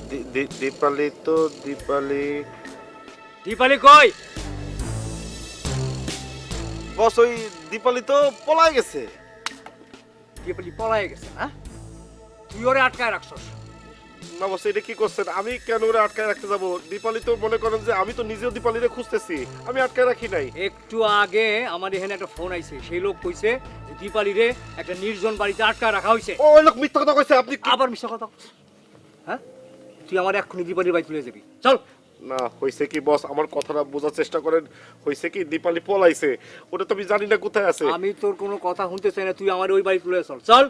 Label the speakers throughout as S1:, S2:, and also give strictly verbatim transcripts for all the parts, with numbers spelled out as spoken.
S1: দি- দি- দীপালি তো দীপালি
S2: দীপালি কই?
S1: বস ওই দীপালি তো পলায় গেছে।
S2: দীপালি পলায় গেছে না? তুই ওরে আটকায় রাখছস।
S1: না বস, এটা কি করছেন? আমি কেন ওরা আটকায় রাখতে যাব? দীপালি তো মনে করেন যে আমি তো নিজেও দীপালিরে খুঁজতেছি, আমি আটকায় রাখি নাই।
S2: একটু আগে আমার এখানে একটা ফোন আইছে, সেই লোক কইছে যে দীপালি রে একটা নির্জন বাড়িতে আটকা রাখা হয়েছে।
S1: ও ওই লোক মিথ্যা কথা কইছে। আপনি কি-
S2: আবার মিথ্যা কথা বলছিস? হ্যাঁ, তুই আমার এক্ষুনি দীপালির বাড়ি তুলে যাবি, চল।
S1: না হইছে কি বস, আমার কথাটা বোঝার চেষ্টা করেন। হইছে কি দীপালি পলাইছে, ওটা তো আমি জানি না কোথায় আছে।
S2: আমি তোর কোনো কথা শুনতে চাই না, তুই আমার ওই বাড়ি তুলে চল, চল।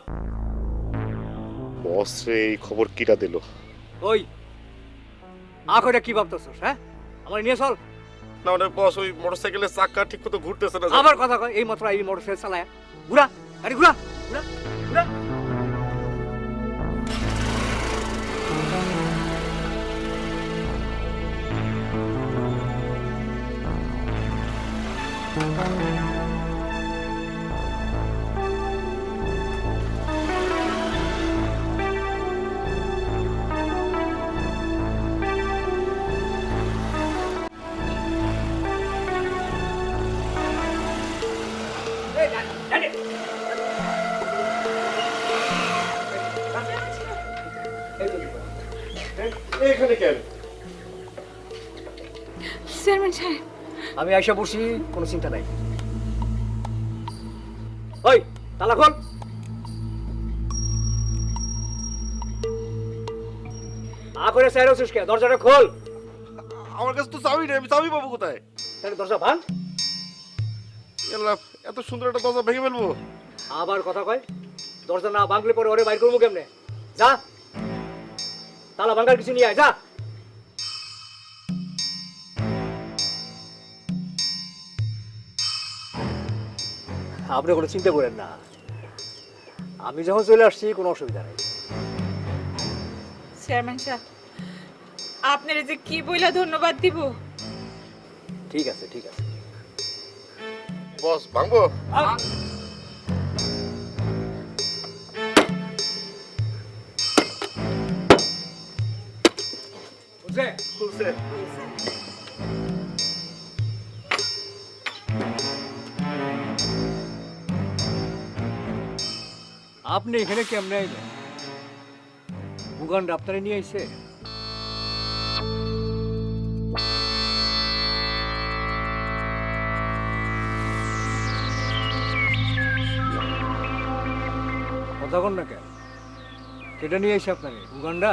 S1: বস রে, এই খবর কিরা দিল?
S2: ওই আখটা কি ভাবতেছস? হ্যাঁ, আমার নিয়ে চল।
S1: না মানে বস, ওই মোটরসাইকেলের চাকা ঠিক মতো ঘুরতেছে না।
S2: আবার কথা কয়, এই মাত্র এই মোটরসাইকেল চালায় ঘুরা, গাড়ি ঘুরা, ঘুরা, ঘুরা। এই, ডান, ডানে। এই তো দীপালি।
S1: এখানে কেন?
S3: চেয়ারম্যান সাহেব,
S2: আমি আইসা বসি, কোনো চিন্তা নাই। ওই তালা খোল। আ করে চাই রসিস কে? দরজাটা খোল।
S1: আমার কাছে তো চাবি নেই, আমি চাবি পাবো কোথায়?
S2: তাহলে দরজা ভাঙ।
S1: আল্লাহ, এত সুন্দর একটা দরজা ভেঙে ফেলবো?
S2: আবার কথা কয়, দরজা না ভাঙলে পরে ওরে বাইর করবো কেমনে? যা, তালা ভাঙার কিছু নিয়ে আয়, যা। আপনি কোনো চিন্তা করেন না, আমি যখন চলে আসছি কোনো অসুবিধা নেই।
S3: চেয়ারম্যান সাহেব, আপনার যে কি বইলা ধন্যবাদ দিব।
S2: ঠিক আছে, ঠিক আছে।
S1: বস ভাঙবো?
S2: বুঝছে?
S1: খুলছে।
S2: আপনি এখানে কেমনে আইলেন? বুগান্ড আপনারে নিয়ে আইছে? কথা কন না কেন? কেটে নিয়ে আইছে আপনারে? বুগান্ডা?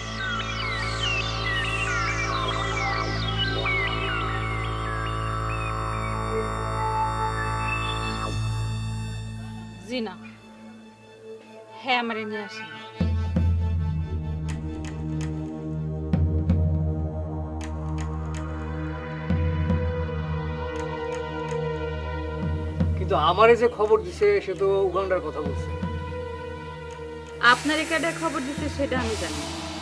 S3: জি না, হ্যাঁ আমারে নিয়ে আসেন।
S2: কিন্তু আমারে যে খবর দিছে সে তো উগান্ডার কথা বলছে।
S3: আপনার একাডে খবর দিতে সেটা আমি জানি।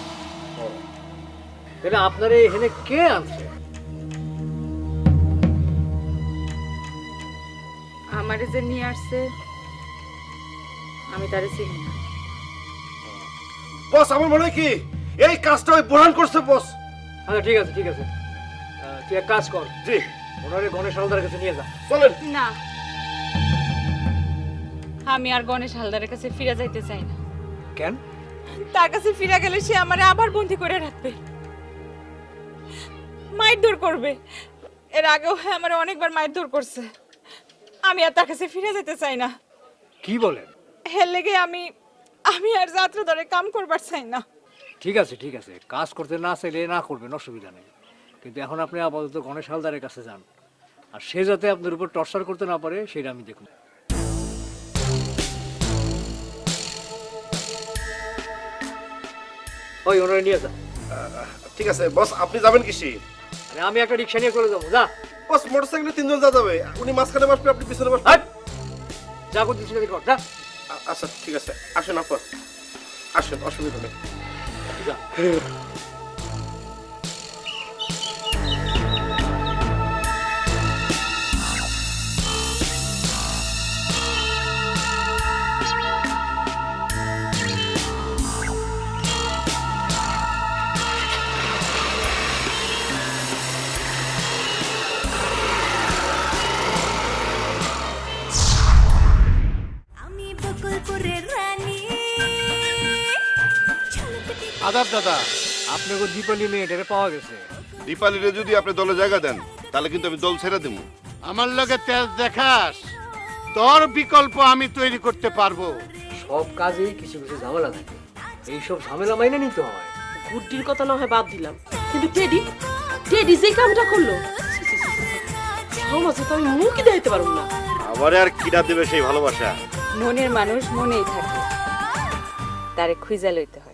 S2: তাহলে আপনারে এখানে কে আনছে?
S3: আমারে যে নিয়ে আসছে আমি তারে চিনি না।
S1: বস আমার মনে হয় কি এই কাজটা ওই বোরহান করছে বস।
S2: আচ্ছা ঠিক আছে, ঠিক আছে। আহ, তুই এক কাজ কর,
S1: জি
S2: ওনারে গণেশ হালদারের কাছে নিয়ে যা।
S1: চলেন।
S3: না, আমি আর গণেশ হালদারের কাছে ফিরে যাইতে চাই না।
S2: কেন?
S3: তার কাছে ফিরে গেলে সে আমারে আবার বন্দি করে রাখবে, মারধর করবে। এর আগেও হ্যাঁ আমারে অনেকবার মারধর করছে। আমি আর তার কাছে ফিরে যেতে চাই না।
S2: কি বলেন?
S3: হের লেগে আমি আমি আর যাত্রা ধরে কাম করবার চাই না।
S2: ঠিক আছে, ঠিক আছে, কাজ করতে না চাইলে না করবেন, অসুবিধা নেই। কিন্তু এখন আপনি আপাতত গণেশ হালদারের কাছে যান, আর সে যাতে আপনার উপর টর্চার করতে না পারে সেটা আমি দেখুন। ওই ওনারে নিয়ে যা।
S1: ঠিক আছে বস, আপনি যাবেন কিসি?
S2: আরে আমি একটা রিক্সা নিয়ে চলে যাবো, যা।
S1: বস মোটরসাইকেলে তিনজন যা যাবে, উনি মাঝখানে বসবে, আপনি পিছনে বসবেন।
S2: হাট! যা করতেছি সেটা কর, যা।
S1: আ- আচ্ছা ঠিক আছে, আসেন আপা, আসেন, অসুবিধা নেই।
S2: যা।
S4: আদাব দাদা।
S2: আপনাকে দীপালি মেয়েটারে পাওয়া গেছে।
S5: দীপালিরে যদি আপনি দলে জায়গা দেন তাহলে কিন্তু আমি দল ছেড়ে দেবো।
S4: আমার লগে তেজ দেখাস, তোর বিকল্প আমি তৈরি করতে পারবো।
S2: সব কাজেই কিছু কিছু ঝামেলা থাকে, এইসব ঝামেলা মাইনে নিতে হয়।
S6: গুড্ডির কথা না হয় বাদ দিলাম, কিন্তু টেডি টেডি যে কামটা করলো, ছি, ছি, ছি, ছি, ছি। সমাজে তো আমি মুখই দেখাইতে পারবো না।
S1: আমারে আর কিনা দেবে সেই ভালোবাসা?
S3: মনের মানুষ মনেই থাকে, তারে খুঁজা লইতে হয়।